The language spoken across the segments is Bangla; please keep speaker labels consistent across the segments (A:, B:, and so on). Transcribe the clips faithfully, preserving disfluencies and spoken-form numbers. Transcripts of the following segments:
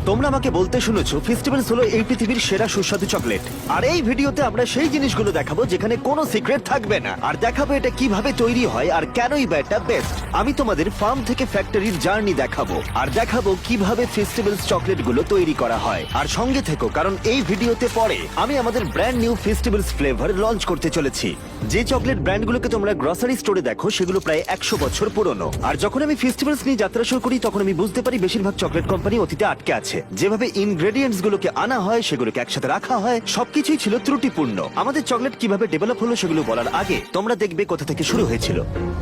A: তোমরা আমাকে বলতে শুনেছো ফেস্টিভ্যালস হলো এই পৃথিবীর সেরা সুস্বাদু চকলেট, আর এই ভিডিওতে আমরা সেই জিনিসগুলো দেখাবো যেখানে কোনো সিক্রেট থাকবে না, আর দেখাবো এটা কিভাবে তৈরি হয় আর কেনই বা এটা বেস্ট। আমি তোমাদের ফার্ম থেকে ফ্যাক্টরির জার্নি দেখাবো, আর দেখাবো কিভাবে ফেস্টিভ্যালস চকলেটগুলো তৈরি করা হয়। আর সঙ্গে থেকো, কারণ এই ভিডিওতে পরে আমি আমাদের brand new festivals flavour launch করতে চলেছি। যে চকলেট ব্র্যান্ডগুলোকে তোমরা গ্রসারি স্টোরে দেখো সেগুলো প্রায় একশো বছর পুরনো। আর যখন আমি ফেস্টিভ্যালস নিয়ে যাত্রা শুরু করি তখন আমি বুঝতে পারি বেশিরভাগ চকলেট কোম্পানি অতীতে আটকে আছে। যেভাবে ইনগ্রেডিয়েন্টস গুলোকে আনা হয়, সেগুলোকে একসাথে রাখা হয়, সবকিছুই ছিল ত্রুটিপূর্ণ। আমাদের চকলেট কিভাবে ডেভেলপ হলো সেগুলো বলার আগে তোমরা দেখবে কোথা থেকে শুরু হয়েছিল।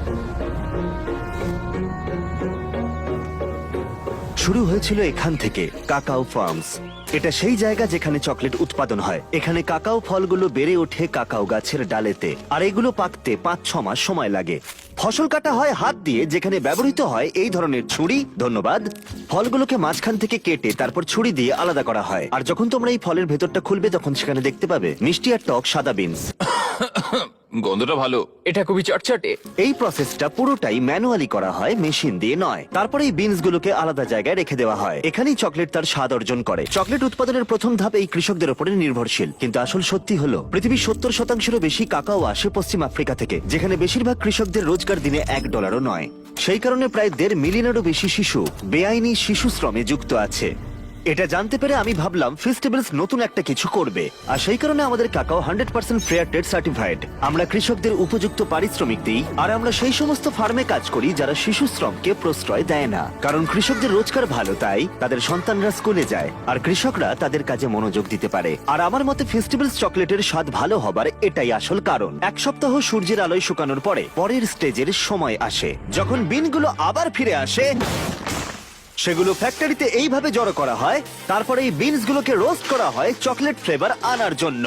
A: শুরু হয়েছিল এখান থেকে, কাকাও ফার্মস। এটা সেই জায়গা যেখানে চকলেট উৎপাদন হয়। এখানে কাকাও ফলগুলো বেড়ে ওঠে কাকাও গাছের ডালেতে, আর এগুলো পাকতে পাঁচ ছ মাস সময় লাগে। ফসল কাটা হয় হাত দিয়ে, যেখানে ব্যবহৃত হয় এই ধরনের ছুরি। ধন্যবাদ। ফলগুলোকে মাঝখান থেকে কেটে তারপর ছুরি দিয়ে আলাদা করা হয়। আর যখন তোমরা এই ফলের ভেতরটা খুলবে তখন সেখানে দেখতে পাবে মিষ্টি আর টক সাদা বিনস।
B: গন্ধটা ভালো।
C: এটা খুবই চটচটে।
A: এই প্রসেসটা পুরোটাই ম্যানুয়ালি করা হয়, মেশিন দিয়ে নয়। তারপরে এই বিনস গুলোকে আলাদা জায়গায় রেখে দেওয়া হয়। এখানেই চকলেট তার স্বাদ অর্জন করে। চকলেট উৎপাদনের প্রথম ধাপ এই কৃষকদের উপরে নির্ভরশীল, কিন্তু আসল সত্যি হলো পৃথিবীর সত্তর শতাংশেরও বেশি কাকাও আসে পশ্চিম আফ্রিকা থেকে, যেখানে বেশিরভাগ কৃষকদের রোজগার দিনে এক ডলারও নয়। সেই কারণে প্রায় দেড় মিলিয়নেরও বেশি শিশু বেআইনি শিশু শ্রমে যুক্ত আছে। এটা জানতে পেরে আমি ভাবলাম ফেস্টিভ্যালস নতুন একটা কিছু করবে, আর সেই কারণে আমাদের cacao hundred percent fair trade certified. আমরা কৃষকদের উপযুক্ত পারিশ্রমিক দিই, আর আমরা সেই সমস্ত ফার্মে কাজ করি যারা শিশু শ্রমকে প্রশ্রয় দেয় না। কারণ কৃষকদের রোজগার ভালো, তাই তাদের সন্তানরা স্কুলে যায় আর কৃষকরা তাদের কাজে মনোযোগ দিতে পারে। আর আমার মতে ফেস্টিভ্যালস চকলেটের স্বাদ ভালো হবার এটাই আসল কারণ। এক সপ্তাহ সূর্যের আলোয় শুকানোর পরে পরের স্টেজের সময় আসে, যখন বিনগুলো আবার ফিরে আসে। সেগুলো ফ্যাক্টরিতে এইভাবে জড়ো করা হয়, তারপরে এই বিনস গুলোকে রোস্ট করা হয় চকলেট ফ্লেভার আনার জন্য।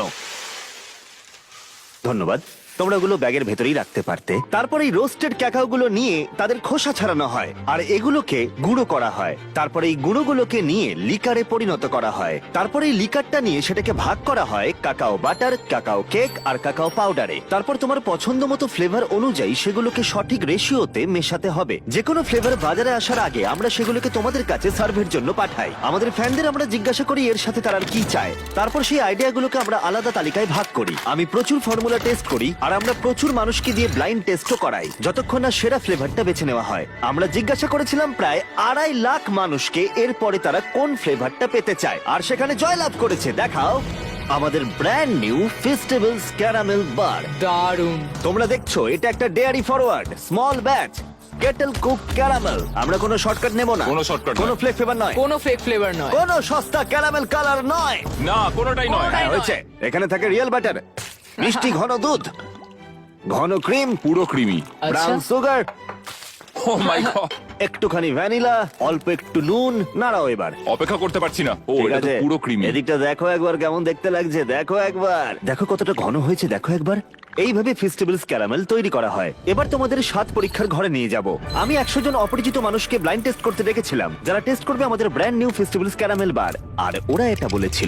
A: ধন্যবাদ। তোমরা ওগুলো ব্যাগের ভেতরেই রাখতে পারতে। তারপরে এই রোস্টেড ক্যাকাও গুলো নিয়ে তাদের খোসা ছাড়ানো হয়, আর এগুলোকে গুঁড়ো করা হয়। তারপরে এই গুঁড়োগুলোকে নিয়ে লিকারে পরিণত করা হয়। তারপরে এই লিকারটা নিয়ে সেটাকে ভাগ করা হয় কাকাও বাটার, কাকাও কেক আর কাকাও পাউডারে। তারপর তোমার পছন্দ মতো ফ্লেভার অনুযায়ী সেগুলোকে সঠিক রেশিওতে মেশাতে হবে। যে কোনো ফ্লেভার বাজারে আসার আগে আমরা সেগুলোকে তোমাদের কাছে সার্ভের জন্য পাঠাই। আমাদের ফ্যানদের আমরা জিজ্ঞাসা করি এর সাথে তারা আর কি চায়। তারপর সেই আইডিয়াগুলোকে আমরা আলাদা তালিকায় ভাগ করি। আমি প্রচুর ফর্মুলা টেস্ট করি, আর আমরা প্রচুর মানুষকে দিয়ে ব্লাইন্ড টেস্টও করাই যতক্ষণ না সেরা ফ্লেভারটা বেছে নেওয়া হয়। আমরা জিজ্ঞাসা করেছিলাম প্রায় আড়াই লাখ মানুষকে এরপরে তারা কোন ফ্লেভারটা পেতে চায়, আর সেখানে জয়লাভ করেছে দেখাও আমাদের brand new festivals caramel bar.
C: দারুণ।
A: তোমরা দেখছো এটা একটা dairy forward small batch kettle cook caramel. আমরা কোনো শর্টকাট নেব না,
B: কোনো shortcut
A: কোনো
B: নয়।
A: ফ্লেক ফ্লেভার নয়,
C: কোনো ফেক ফ্লেভার নয়।
A: কোনো সস্তা ক্যারামেল কালার নয়।
B: না, কোনোটাই নয়।
A: হ্যাঁ, হয়েছে। এখানে থাকে রিয়েল বাটার, মিষ্টি ঘন দুধ, ঘন ক্রিম,
B: পুরো creamy.
A: Brown sugar,
B: oh my God,
A: একটুখানি ভ্যানিলা, অল্প একটু নুন। নাড়াও এবার।
B: অপেক্ষা করতে পারছি না। ও,
A: ঠিক
B: এটা তো
A: আছে,
B: পুরো ক্রিমি।
A: এদিকটা দেখো একবার কেমন দেখতে লাগছে। দেখো একবার, দেখো কতটা ঘন হয়েছে। দেখো একবার। এইভাবে ফেস্টিভ্যালস ক্যারামেল তৈরি করা হয়। এবার তোমাদের স্বাদ পরীক্ষার ঘরে নিয়ে যাব। আমি একশো জন অপরিচিত মানুষকে ব্লাইন্ড টেস্ট করতে রেখেছিলাম, যারা টেস্ট করবে আমাদের brand new festivals caramel bar. আর ওরা এটা বলেছিল,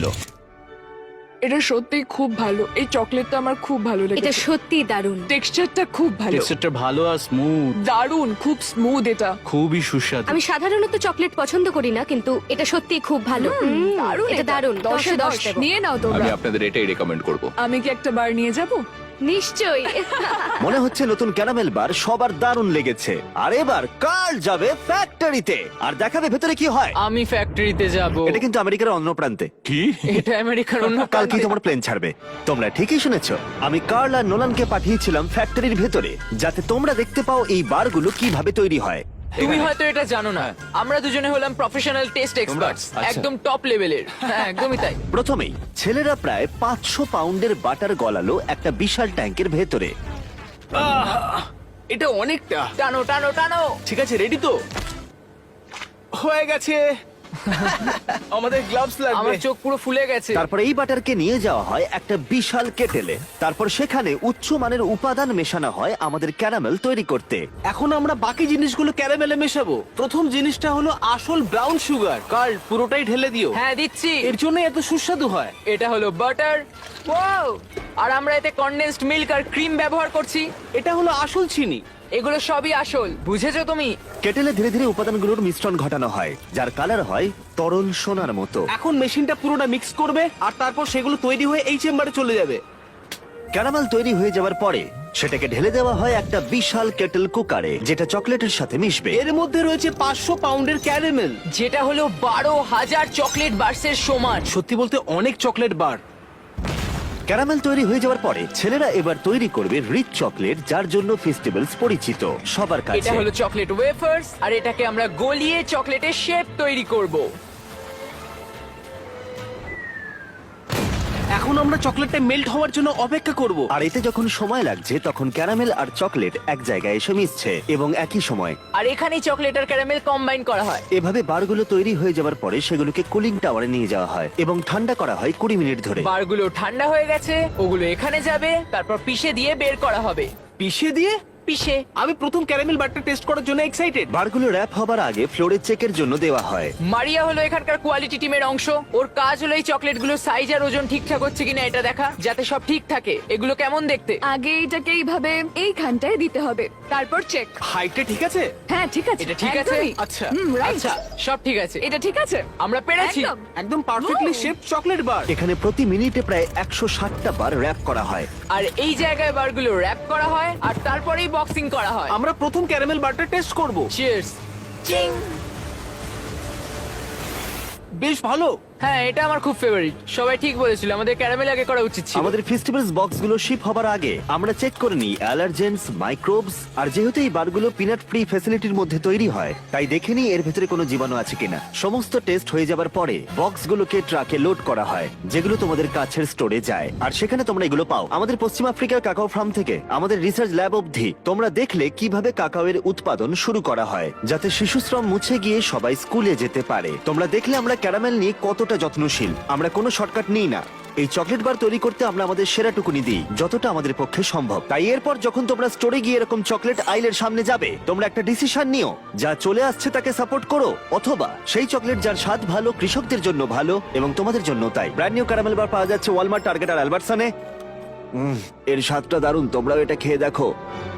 D: এটা সত্যি খুব ভালো। এই চকলেটটা আমার খুব ভালো
E: এটা
D: লেগেছে।
E: সত্যি দারুণ।
D: টেক্সচারটা খুব ভালো,
F: টেক্সচারটা ভালো আর স্মুথ,
D: দারুণ, খুব স্মুথ। এটা
F: খুবই সুস্বাদু।
E: আমি সাধারণত চকলেট পছন্দ করি না, কিন্তু এটা সত্যি খুব ভালো। হুম,
D: দারুণ,
E: এটা দারুণ।
D: দশে দশ
E: দেবো।
D: নিয়ে নাও তোমরা।
B: আমি আপনাদের এটাই রেকমেন্ড করব।
D: আমি কি একটা বার নিয়ে যাব?
E: নিশ্চয়ই।
A: মনে হচ্ছে নতুন ক্যারামেল বার সবার দারুণ লেগেছে। আর এবার কার্ল যাবে ফ্যাক্টরিতে আর দেখাবে ভেতরে কি হয়।
C: আমি ফ্যাক্টরিতে যাব।
A: এটা কিন্তু আমেরিকার অন্য প্রান্তে।
B: কি?
C: এটা আমেরিকার অন্য
A: কালকেই
C: প্রান্তে।
A: তোমার প্লেন ছাড়বে। তোমরা ঠিকই শুনেছো। আমি কার্ল আর নোলানকে পাঠিয়েছিলাম ফ্যাক্টরির ভেতরে, যাতে তোমরা দেখতে পাও এই বারগুলো কিভাবে তৈরি হয়।
C: তুমি হয়তো এটা জানো না, আমরা দুজনে হলাম প্রফেশনাল টেস্ট এক্সপার্টস,
B: আচ্ছা।
C: একদম টপ লেভেলের। হ্যাঁ, একদমই তাই।
A: প্রথমেই ছেলেরা প্রায় পাঁচশো পাউন্ডের বাটার গলালো একটা বিশাল ট্যাঙ্কের ভেতরে।
F: এটা অনেকটা।
C: টানো টানো টানো।
F: ঠিক আছে, রেডি তো? হয়ে গেছে। আমাদের গ্লাভস লাগবে।
C: আমার চোখ পুরো ফুলে গেছে।
A: তারপর এই বাটারকে নিয়ে যাওয়া হয় একটা বিশাল কেটেলে। তারপর সেখানে উচ্চ মানের উপাদান মেশানো হয় আমাদের ক্যারামেল তৈরি করতে।
F: এখন আমরা বাকি জিনিসগুলো ক্যারামেলে মেশাবো। প্রথম জিনিসটা হলো আসল ব্রাউন সুগার। কার্ল, পুরোটাই ঢেলে দিও।
C: হ্যাঁ, দিচ্ছি।
F: এর জন্য এত সুস্বাদু হয়।
C: এটা হলো বাটার। ওয়াও! আর আমরা এতে কনডেন্সড মিল্ক আর ক্রিম ব্যবহার করছি।
F: এটা হলো আসল চিনি।
C: এগুলো সবই আসল, বুঝেছো তুমি?
A: কেটেলে ধীরে ধীরে উপাদানগুলোর মিশ্রণ ঘটানো হয়, যার কালার হয় তরল সোনার মতো।
F: এখন মেশিনটা পুরোটা মিক্স করবে আর তারপর সেগুলো তৈরি হয়ে এই চেম্বারে চলে যাবে।
A: ক্যারামেল তৈরি হয়ে যাওয়ার পরে সেটাকে ঢেলে দেওয়া হয় একটা বিশাল কেটেল কুকারে, যেটা চকলেটের সাথে মিশবে।
F: এর মধ্যে রয়েছে পাঁচশো পাউন্ডের ক্যারামেল।
C: যেটা হলো বারো হাজার চকলেট বার্সের সমান।
F: সত্যি বলতে অনেক চকলেট বার।
A: ক্যারামেল তৈরি হয়ে যাওয়ার পরে ছেলেরা এবার তৈরি করবে রিচ চকলেট, যার জন্য ফেস্টিভ্যালস পরিচিত সবার
C: এটা
A: কাছে।
C: হলো চকলেট ওয়েফার্স, আর এটাকে আমরা গলিয়ে চকলেটের শেপ তৈরি করব।
F: এখন আমরা চকলেটটা মেল্ট হওয়ার জন্য অপেক্ষা করব।
A: আর এতে যখন সময় লাগছে তখন ক্যারামেল আর চকলেট এক জায়গায় এসে মিশছে এবং একই সময়
C: আর এখানেই চকলেট আর ক্যারামেল কম্বাইন করা হয়।
A: এভাবে বারগুলো তৈরি হয়ে যাওয়ার পরে সেগুলোকে কুলিং টাওয়ারে নিয়ে যাওয়া হয় এবং ঠান্ডা করা হয় কুড়ি মিনিট ধরে।
C: বারগুলো ঠান্ডা হয়ে গেছে, ওগুলো এখানে যাবে, তারপর পিষে দিয়ে বের করা হবে।
F: পিষে দিয়ে?
C: পিষে।
F: আমি প্রথম ক্যারামেল বারটা টেস্ট করার জন্য এক্সাইটেড।
A: বারগুলো র্যাপ হবার আগে ফ্লোরে চেকের জন্য দেওয়া হয়।
C: মারিয়া হলো এখানকার কোয়ালিটি টিমের অংশ। ওর কাজ হলো এই চকলেটগুলো সাইজ আর ওজন ঠিকঠাক হচ্ছে কিনা এটা দেখা, যাতে সব ঠিক থাকে। এগুলো কেমন দেখতে?
D: আগে এটাকে এইভাবে এইখানটায় দিতে হবে, তারপর চেক।
F: হাইটটা ঠিক আছে?
D: হ্যাঁ ঠিক আছে,
C: এটা ঠিক আছে?
D: একদমই।
F: আচ্ছা।
D: হুম, right।
C: আচ্ছা, সব ঠিক আছে।
D: এটা ঠিক আছে,
C: আমরা পেরেছি।
D: একদম।
F: একদম perfectly
D: Wow!
F: Shape chocolate bar.
A: এখানে প্রতি মিনিটে প্রায় একশো ষাটটা বার র্যাপ করা হয়।
C: আর এই জায়গায় বারগুলো র্যাপ করা হয় আর তারপরেই বক্সিং করা হয়।
F: আমরা প্রথম ক্যারামেল বারটা টেস্ট করব।
C: চিয়ার্স। চিং।
F: বেশ ভালো।
C: হ্যাঁ, এটা আমার খুব ফেভারিট। সবাই ঠিক বলেছিল, আমাদের ক্যারামেল আগে করা উচিত ছিল।
A: আমাদের ফেস্টিভ্যালস বক্সগুলো শিপ হবার আগে আমরা চেক করে নিই অ্যালার্জেন্স, মাইক্রোবস, আর যেহেতু এই বারগুলো পিনাট ফ্রি ফ্যাসিলিটির মধ্যে তৈরি হয় তাই দেখে নিই এর ভেতরে কোনো জীবাণু আছে কিনা। সমস্ত টেস্ট হয়ে যাবার পরে বক্সগুলোকে ট্রাকে লোড করা হয়, যেগুলো তোমাদের কাছের স্টোরে যায় আর সেখানে তোমরা এগুলো পাও। আমাদের পশ্চিম আফ্রিকার কাকাও ফার্ম থেকে আমাদের রিসার্চ ল্যাব অবধি তোমরা দেখলে কিভাবে কাকাওয়ের উৎপাদন শুরু করা হয়, যাতে শিশুশ্রম মুছে গিয়ে সবাই স্কুলে যেতে পারে। তোমরা দেখলে আমরা ক্যারামেল নিয়ে কতটা যত্নশীল। আমরা কোনো শর্টকাট নিই না। এই চকলেট বার তৈরি করতে আমরা আমাদের সেরাটুকুনি দিই, যতটা আমাদের পক্ষে সম্ভব। তাই এরপর যখন তোমরা স্টোরে গিয়ে এরকম চকলেট আইলের সামনে যাবে, তোমরা একটা ডিসিশন নিও, যা চলে আসছে তাকে সাপোর্ট করো, অথবা সেই চকলেট যার স্বাদ ভালো, কৃষকদের জন্য ভালো এবং তোমাদের জন্য তাই। ব্র্যান্ড নিউ ক্যারামেল বার পাওয়া যাচ্ছে ওয়ালমার্ট, টার্গেট আর অ্যালবার্টসনে। উম, এর স্বাদটা দারুণ, তোমরাও এটা খেয়ে দেখো।